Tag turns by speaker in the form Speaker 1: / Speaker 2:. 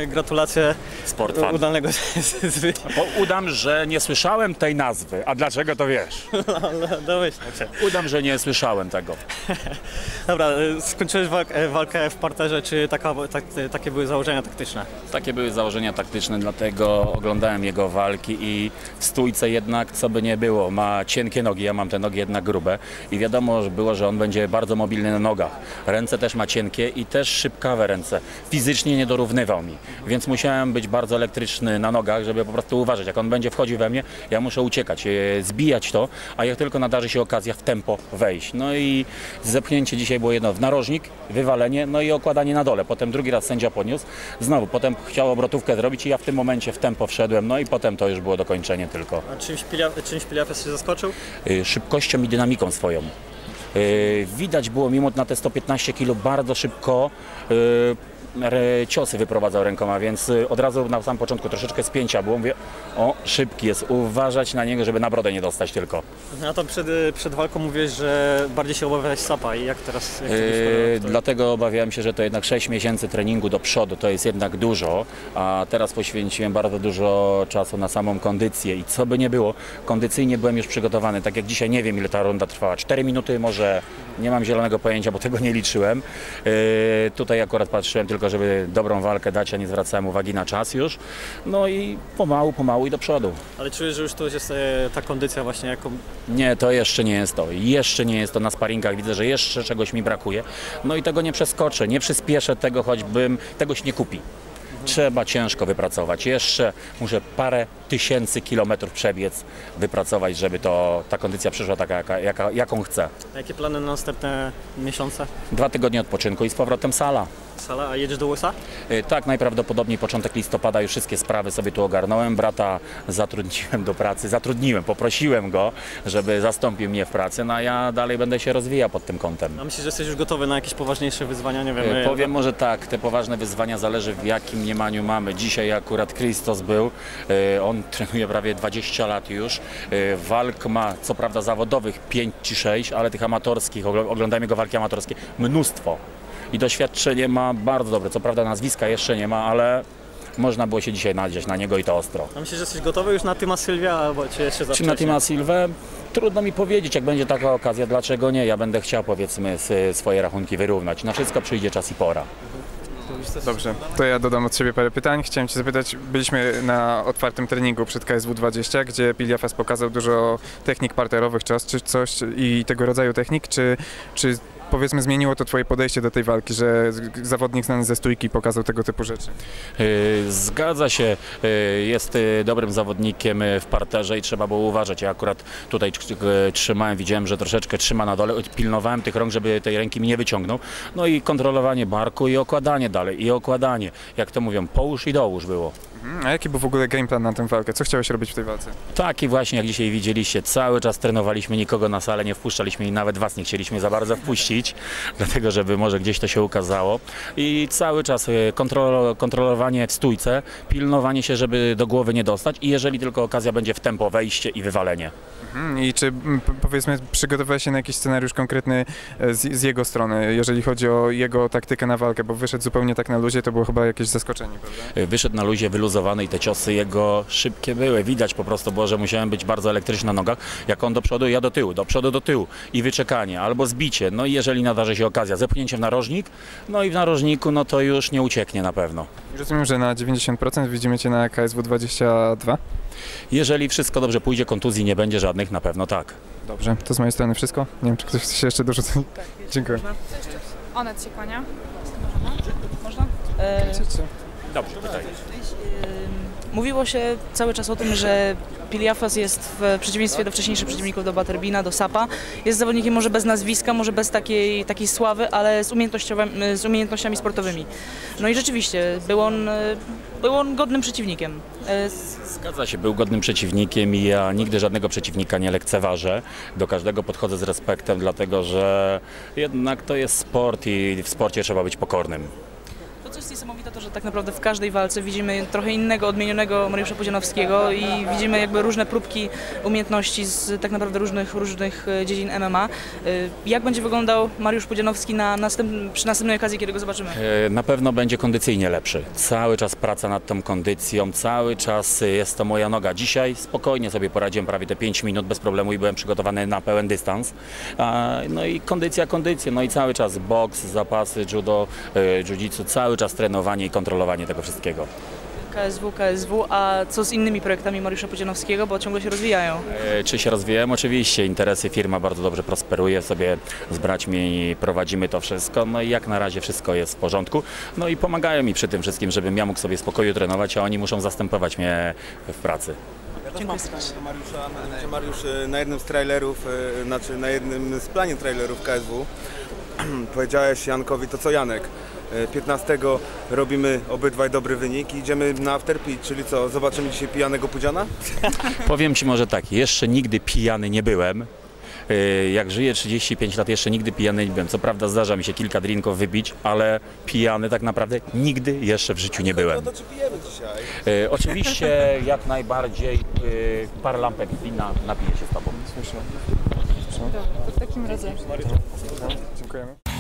Speaker 1: gratulacje
Speaker 2: Sportfan.
Speaker 1: udanego
Speaker 2: Bo udam, że nie słyszałem tej nazwy. A dlaczego to wiesz?
Speaker 1: domyślam się.
Speaker 2: Udam, że nie słyszałem tego.
Speaker 1: Dobra, skończyłeś walkę w parterze, czy takie były założenia taktyczne?
Speaker 2: Takie były założenia taktyczne, dlatego oglądałem jego walki i w stójce jednak, co by nie było, ma cienkie nogi, ja mam te nogi jednak grube i wiadomo było, że on będzie bardzo mobilny na nogach. Ręce też ma cienkie i też szybkawe ręce. Fizycznie nie dorównywał mi, więc musiałem być bardzo elektryczny na nogach, żeby po prostu uważać. Jak on będzie wchodził we mnie, ja muszę uciekać, zbijać to, a jak tylko nadarzy się okazja w tempo wejść. No i zepchnięcie dzisiaj było jedno w narożnik, wywalenie, no i okładanie na dole. Potem drugi raz sędzia podniósł, znowu potem chciał obrotówkę zrobić i ja w tym momencie w tempo wszedłem, no i potem to już było dokończenie tylko.
Speaker 1: A czymś Piliafes się zaskoczył?
Speaker 2: Szybkością i dynamiką swoją. Widać było, mimo na te 115 kg, bardzo szybko ciosy wyprowadzał rękoma, więc od razu na samym początku troszeczkę spięcia było. Mówię, o, szybki jest, uważać na niego, żeby na brodę nie dostać tylko.
Speaker 1: A to przed walką mówiłeś, że bardziej się obawiałeś Sapa i jak teraz?
Speaker 2: Dlatego obawiałem się, że to jednak 6 miesięcy treningu do przodu to jest jednak dużo, a teraz poświęciłem bardzo dużo czasu na samą kondycję i co by nie było, kondycyjnie byłem już przygotowany, tak jak dzisiaj nie wiem ile ta runda trwała, 4 minuty może, nie mam zielonego pojęcia, bo tego nie liczyłem. Tutaj akurat patrzyłem tylko, żeby dobrą walkę dać, a nie zwracałem uwagi na czas już. No i pomału i do przodu.
Speaker 1: Ale czujesz, że już to jest ta kondycja właśnie jaką...
Speaker 2: Nie, to jeszcze nie jest to. Jeszcze nie jest to na sparingach. Widzę, że jeszcze czegoś mi brakuje. No i tego nie przeskoczę, nie przyspieszę tego, choćbym tego się nie kupi. Trzeba ciężko wypracować. Jeszcze muszę parę tysięcy kilometrów przebiec, wypracować, żeby ta kondycja przyszła taka, jaką chcę.
Speaker 1: A jakie plany na następne miesiące?
Speaker 2: 2 tygodnie odpoczynku i z powrotem sala.
Speaker 1: Sala, a jedziesz do USA?
Speaker 2: Tak, najprawdopodobniej początek listopada już wszystkie sprawy sobie tu ogarnąłem. Brata zatrudniłem do pracy, poprosiłem go, żeby zastąpił mnie w pracy, no a ja dalej będę się rozwijał pod tym kątem.
Speaker 1: A myślisz, że jesteś już gotowy na jakieś poważniejsze wyzwania? Nie wiem.
Speaker 2: Powiem może tak, te poważne wyzwania zależy w jakim mniemaniu mamy. Dzisiaj akurat Christos był, on trenuje prawie 20 lat już. Walk ma co prawda zawodowych 5 czy 6, ale tych amatorskich, oglądajmy jego walki amatorskie, mnóstwo. I doświadczenie ma bardzo dobre. Co prawda nazwiska jeszcze nie ma, ale można było się dzisiaj nadziać na niego i to ostro.
Speaker 1: A myślisz, że jesteś gotowy już na Tima Sylwia, albo czy jeszcze za
Speaker 2: Czy na Tima Sylwę? Trudno mi powiedzieć, jak będzie taka okazja, dlaczego nie. Ja będę chciał, powiedzmy, swoje rachunki wyrównać. Na wszystko przyjdzie czas i pora.
Speaker 3: Dobrze, to ja dodam od siebie parę pytań. Chciałem Cię zapytać, byliśmy na otwartym treningu przed KSW 20, gdzie Piliafes pokazał dużo technik parterowych, czy coś i tego rodzaju technik, czy powiedzmy zmieniło to Twoje podejście do tej walki, że zawodnik znany ze stójki pokazał tego typu rzeczy?
Speaker 2: Zgadza się, jest dobrym zawodnikiem w parterze i trzeba było uważać. Ja akurat tutaj trzymałem, widziałem, że troszeczkę trzyma na dole, pilnowałem tych rąk, żeby tej ręki mi nie wyciągnął. No i kontrolowanie barku i okładanie dalej, i okładanie. Jak to mówią, połóż i dołóż było.
Speaker 3: A jaki był w ogóle game plan na tę walkę? Co chciałeś robić w tej walce?
Speaker 2: Taki właśnie, jak dzisiaj widzieliście, cały czas trenowaliśmy, nikogo na salę nie wpuszczaliśmy i nawet Was nie chcieliśmy za bardzo wpuścić, dlatego żeby może gdzieś to się ukazało. I cały czas kontrolowanie w stójce, pilnowanie się, żeby do głowy nie dostać i jeżeli tylko okazja będzie w tempo, wejście i wywalenie.
Speaker 3: I czy powiedzmy przygotowałeś się na jakiś scenariusz konkretny z jego strony, jeżeli chodzi o jego taktykę na walkę, bo wyszedł zupełnie tak na luzie, to było chyba jakieś zaskoczenie, prawda?
Speaker 2: Wyszedł na luzie, wyluzowany i te ciosy jego szybkie były. Widać po prostu było, że musiałem być bardzo elektryczny na nogach. Jak on do przodu, ja do tyłu, do przodu, do tyłu i wyczekanie albo zbicie. No i jeżeli nadarzy się okazja, zepchnięcie w narożnik, no i w narożniku, no to już nie ucieknie na pewno.
Speaker 3: Rozumiem, że na 90% widzimy Cię na KSW 22?
Speaker 2: Jeżeli wszystko dobrze pójdzie, kontuzji nie będzie żadnych, na pewno tak.
Speaker 3: Dobrze, to z mojej strony wszystko. Nie wiem, czy ktoś chce się jeszcze dorzucić.
Speaker 4: Tak,
Speaker 3: dziękuję.
Speaker 4: Onet się kłania. Można?
Speaker 2: Dobrze, pytaj.
Speaker 4: Mówiło się cały czas o tym, że Piliafes jest w przeciwieństwie do wcześniejszych przeciwników, do Butterbeana, do Sapa, jest zawodnikiem może bez nazwiska, może bez takiej sławy, ale z umiejętnościami sportowymi. No i rzeczywiście, był on godnym przeciwnikiem.
Speaker 2: Zgadza się, był godnym przeciwnikiem i ja nigdy żadnego przeciwnika nie lekceważę. Do każdego podchodzę z respektem, dlatego że jednak to jest sport i w sporcie trzeba być pokornym.
Speaker 4: To, co jest niesamowite to, że tak naprawdę w każdej walce widzimy trochę innego, odmienionego Mariusza Pudzianowskiego i widzimy jakby różne próbki umiejętności z tak naprawdę różnych dziedzin MMA. Jak będzie wyglądał Mariusz Pudzianowski przy następnej okazji, kiedy go zobaczymy?
Speaker 2: Na pewno będzie kondycyjnie lepszy. Cały czas praca nad tą kondycją, cały czas jest to moja noga. Dzisiaj spokojnie sobie poradziłem prawie te 5 minut bez problemu i byłem przygotowany na pełen dystans. No i kondycja, no i cały czas boks, zapasy, judo, jiu-jitsu, cały czas trenowanie i kontrolowanie tego wszystkiego.
Speaker 4: KSW, a co z innymi projektami Mariusza Pudzianowskiego, bo ciągle się rozwijają?
Speaker 2: Czy się rozwijałem? Oczywiście, interesy, firma bardzo dobrze prosperuje, sobie z braćmi prowadzimy to wszystko, no i jak na razie wszystko jest w porządku, no i pomagają mi przy tym wszystkim, żebym ja mógł sobie w spokoju trenować, a oni muszą zastępować mnie w pracy.
Speaker 4: Dziękuję serdecznie.
Speaker 5: Mariusza, Mariusz na jednym z trailerów, znaczy na jednym z planie trailerów KSW powiedziałeś Jankowi to co Janek. 15 robimy obydwaj dobry wynik i idziemy na afterpit, czyli co, zobaczymy dzisiaj pijanego Pudziana?
Speaker 2: Powiem Ci może tak, jeszcze nigdy pijany nie byłem. Jak żyję 35 lat, jeszcze nigdy pijany nie byłem. Co prawda zdarza mi się kilka drinków wybić, ale pijany tak naprawdę nigdy jeszcze w życiu nie byłem.
Speaker 5: No to czy pijemy dzisiaj?
Speaker 2: Oczywiście jak najbardziej parę lampek wina napiję się z Tobą.
Speaker 3: Słyszę.
Speaker 6: To w takim razie.
Speaker 3: Dziękujemy.